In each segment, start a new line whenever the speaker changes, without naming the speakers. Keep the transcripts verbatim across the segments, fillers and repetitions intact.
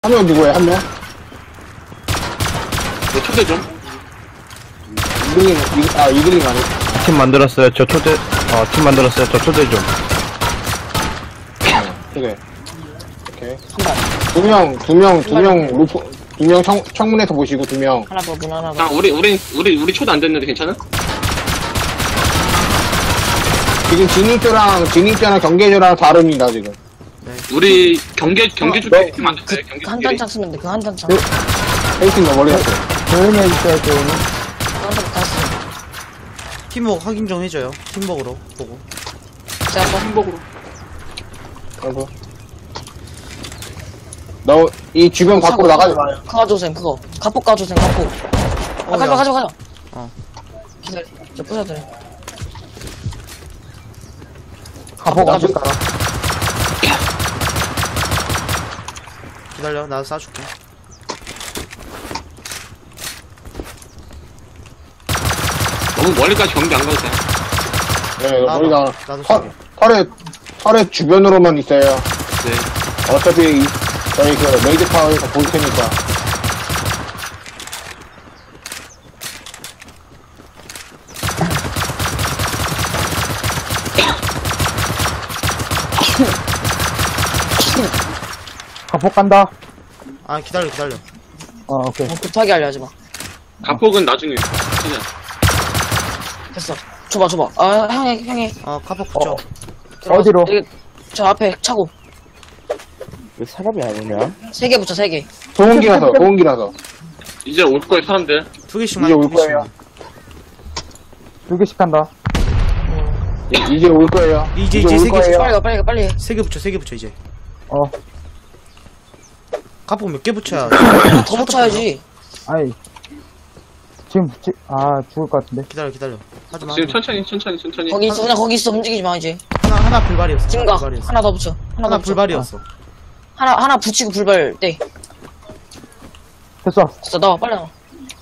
한 명 누구야, 한 명?
내 초대 좀.
이글링, 이, 아, 이글링 아니.
팀 만들었어요. 저 초대, 어, 팀 만들었어요. 저 초대 좀.
초대. 오케이. 두 명, 두 명, 두 명, 루프, 두 명 청, 청문회에서 보시고, 두 명.
하나 더, 문 하나
아,
더.
우리, 우리, 우리, 우리 초대 안 됐는데 괜찮아?
지금 진입자랑, 진입자랑 경계조랑 다릅니다, 지금.
우리 경계, 경계
어,
주택
너-
팀 만들었어요.
그,
경계
한
주택.
단창 쓰면 돼, 그 한 단창.
네. 페이팅 너 멀리 갔어.
조용히 해주세요, 조용히.
한 단창 다 쓰면
팀워크 확인 좀 해줘요. 팀워크로 보고.
돼. 제가 또
행복으로.
아이고. 너, 이 주변 밖으로 나가지 마요.
그거 가져오셈, 그거. 갑폭 가져오셈, 갑폭. 아,
어,
가져,
야.
가져, 가져.
어.
기다려. 저 부셔드려.
가보고
가져.
가볼까?
기다려, 나 쏴줄게.
너무 멀리까지 경계 안 가도 돼.
네, 너 멀리 나가.
나도
털,
쏠게.
털에, 털에 주변으로만 있어요.
네.
어차피, 이- 저희 그, 메이드 타워에서 볼 테니까.
가폭 간다.
아, 기다려, 기다려.
어, 오케이.
어, 급하게 하려 하지 마.
가폭은 나중에. 진짜.
됐어. 줘봐, 줘봐. 아, 형이, 형이.
어, 카폭 붙여.
들어가서.
어디로?
여기, 저 앞에 차고.
왜 사람이 아니냐?
세 개 붙여, 세 개.
소음기라서, 소음기라서.
이제 올 거예요, 사람들.
두 개씩만,
이제 올
두 개씩만.
거예요.
두 개씩 간다.
이- 이제 올 거예요.
이제, 이제
올
세 개씩.
거예요.
빨리 가, 빨리 가, 빨리 해.
세 개 붙여, 세 개 붙여, 이제.
어,
카폭 몇 개 붙여야.
더 붙여야지.
아이. 지금 붙지, 아, 죽을 것 같은데.
기다려, 기다려. 하지 마.
지금 천천히, 천천히, 천천히.
거기 있어, 그냥 거기 있어. 움직이지 마, 이제.
하나, 하나 불발이었어.
지금
하나
가.
불발이었어.
하나 더 붙여. 하나,
하나
더 붙여.
불발이었어.
하나, 하나 붙이고 불발 때.
됐어.
됐어, 나와, 빨리 나와.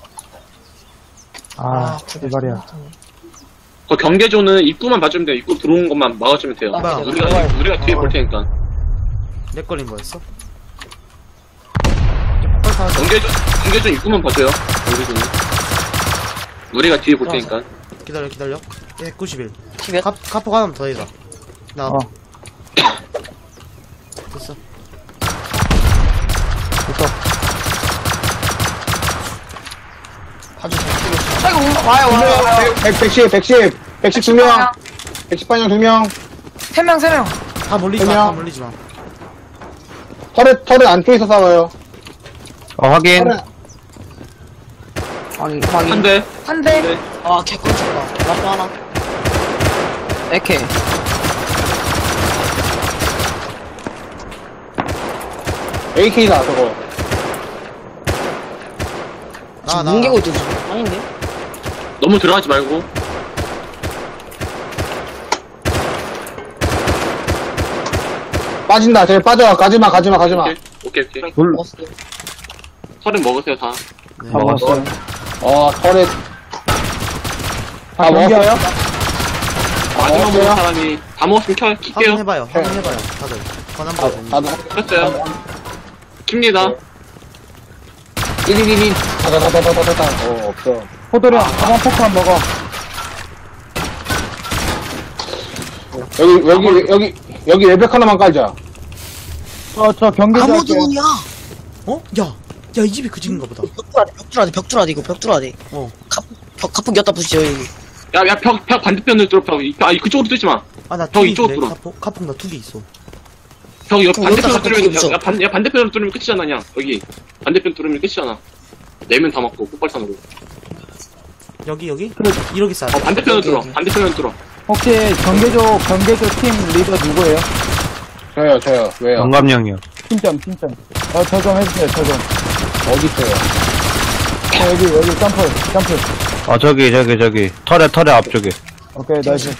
아,
불발.
대발이야.
그 경계조는 입구만 봐주면 돼요. 입구 들어오는 것만 막아주면 돼요.
아,
그래.
우리가, 우리가 뒤에 볼 테니까.
내 걸린 거였어?
경계조, 경계조 입구만 봐줘요. 우리는. 우리가 뒤에 볼 테니까.
기다려, 기다려. 백구십일.
티벳.
카, 카폭 하나만 더 해라. 나,
어,
됐어.
됐어.
봐주세요. 아이고, 와요, 와요, 와요.
백, 백십, 백십, 백십 두 명. 백십 반영 두 명.
세 명, 세 명.
다 몰리지 마,
그냥-
다 몰리지 마.
털에, 털에 안쪽에서 싸워요.
어, 확인.
털에,
아니,
한 대.
한 대.
네.
아, 개꿀잼이다. 나또 하나. 에케.
에이케이다, 저거.
나,
지금
나.
뭉개고 있지. 아닌데?
너무 들어가지 말고.
빠진다, 쟤 빠져. 가지마, 가지마, 가지마.
오케이, 오케이, 오케이.
놀,
어,
서른 먹으세요, 다.
네.
다 먹었어요.
어, 털에. 다 먹었어요?
경기하여?
마지막
먹었어요?
먹은 사람이 다 먹었으면 켜, 킬게요.
확인해봐요, 확인해봐요. 다들. 권한 받아.
다 먹,
켰어요. 킵니다.
일일일일. 다다다다다다다. 어, 없어.
호돌이 형, 가방 포크만 먹어.
여기, 여기, 여기, 여기 외벽 하나만 깔자.
저, 저 경기 좀 할게요.
아무도문이야.
어? 야! 야, 이 집이 그 집인가 보다.
벽 뚫어야 돼, 벽 뚫어야 돼, 이거 벽 뚫어야 돼.
어.
갑, 벽, 갑폭 엿다 부시죠, 여기.
야, 야, 벽, 벽 반대편으로 뚫어, 벽. 이- 아, 이 그쪽으로 뚫지 마.
아, 나
형,
두 개
이쪽으로
있네.
들어.
카폭, 카폭 나 두 개 있어.
벽, 옆
그럼
반대편으로
여기다가
뚫으면,
붙여.
야, 야, 반, 야, 반대편으로 뚫으면 끝이잖아, 그냥. 여기. 반대편 뚫으면 끝이잖아. 네면 다 맞고, 폭발탄으로.
여기, 여기?
그래.
이렇게 싸.
어, 반대편으로
여기,
뚫어.
여기.
반대편으로 뚫어.
혹시 경계조, 경계조 팀 리더 누구예요?
저요, 저요. 왜요?
영감형이요.
팀점, 팀점. 어, 저 좀 해주세요, 저 좀.
어디 있어요?
어, 여기, 여기, 점프, 점프.
어, 저기, 저기, 저기. 털에, 털에 앞쪽에.
오케이, 나이스.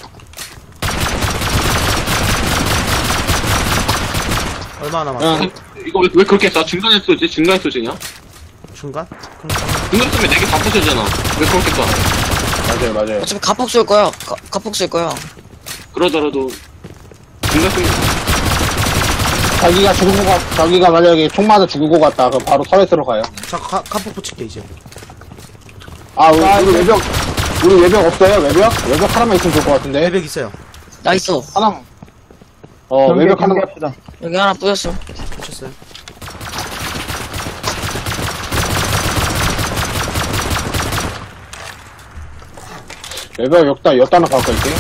얼마 남았어?
응.
이거 왜, 왜 그렇게 쏴? 중간에 쏘지? 중간에 쏘지냐?
중간? 그럼
중간에 쏘면 네 개 다 부서지잖아. 왜 그렇게 쏴?
맞아요, 맞아요.
어차피 갑폭 쏠 거야. 가, 갑폭 쏠 거야.
그러더라도, 중간 쏘면,
자기가 죽은 거 같, 자기가 만약에 총 맞아 죽은 거 같다. 그럼 바로 터렛으로 가요.
자, 가, 카폭 붙일게, 이제.
아, 우리, 우리 외벽, 우리 외벽 없어요? 외벽? 외벽 하나만 있으면 좋을 것 같은데.
외벽 있어요.
나 있어.
하나. 어,
경계,
외벽 하나.
경계합시다.
여기 하나 뿌렸어.
붙였어요.
외벽 역다, 엿다 하나 갖고 있게.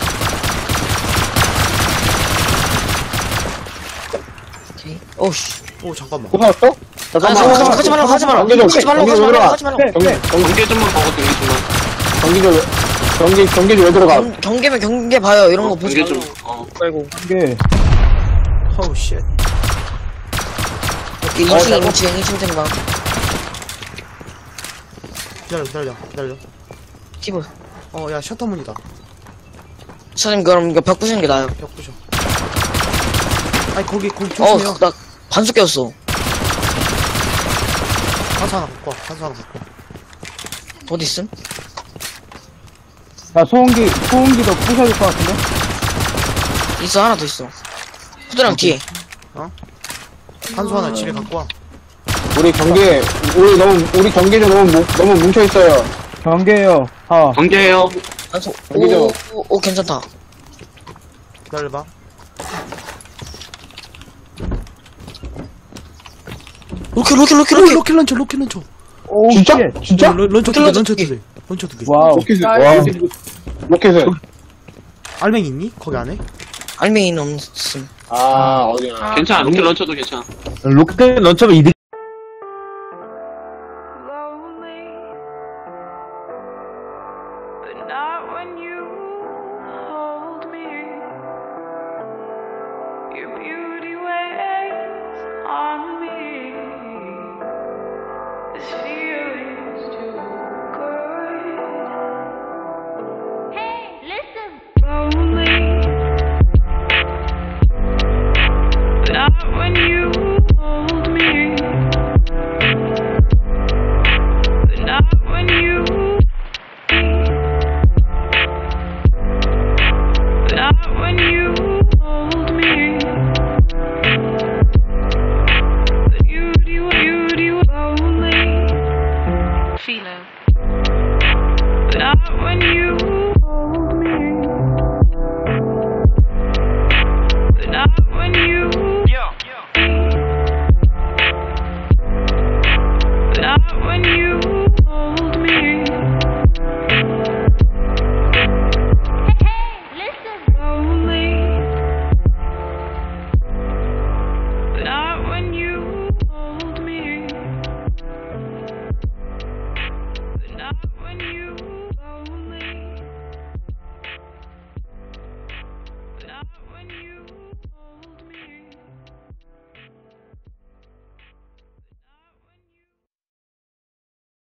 오케이. 오씨.
오, 잠깐만.
또 살았어?
가지
잠깐만.
말고, 가지 말고, 가지 말고.
경계 좀,
가지 말고,
경계
가지
좀
말고,
들어가.
가지 말고.
네,
경계,
네.
경계,
경계 좀만 보고 경계좀만.
경계 좀, 경계, 경계 좀 왜 들어가?
경, 경계면 경계 봐요. 이런 거 보지
경계 좀,
말고.
어.
말고.
경계.
어우, 쉣.
오케이,
어,
이 층,
잠깐.
이 층, 이 층 생방.
기다려, 기다려, 기다려.
티브.
어, 야, 셔터문이다.
선생님, 그럼 이거 벽 부수는 게 나아요.
벽 부셔. 아니, 거기, 거기
어,
조심해요.
나 반숙 꼈어.
탄소 하나 갖고 와, 탄소 하나 갖고 와.
어디 있음?
야, 소음기, 소음기도 부셔야 될 것 같은데?
있어, 하나 더 있어. 후드랑 뒤에.
탄소 하나 집에 갖고 와.
우리 경계, 우리 너무, 우리 경계 좀 너무, 뭉- 너무 뭉쳐있어요.
경계요. 아,
경계해요.
반숙.
경계죠.
오, 오, 오, 괜찮다.
기다려봐.
로켓, 로켓, 로켓,
로켓,
로켓.
로켓 런처, 로켓 런처.
오,
진짜?
쉣.
진짜?
런- 런처 두 개,
런처
런처
두
두
개.
개. 런처 두 개.
와우.
로켓을,
와.
로켓을.
알맹이 있니? 거기 안에?
알맹이는 없음.
아, 어디야.
괜찮아. 로켓 런처도 괜찮아.
로켓 런처가 이득.
lonely, but not when you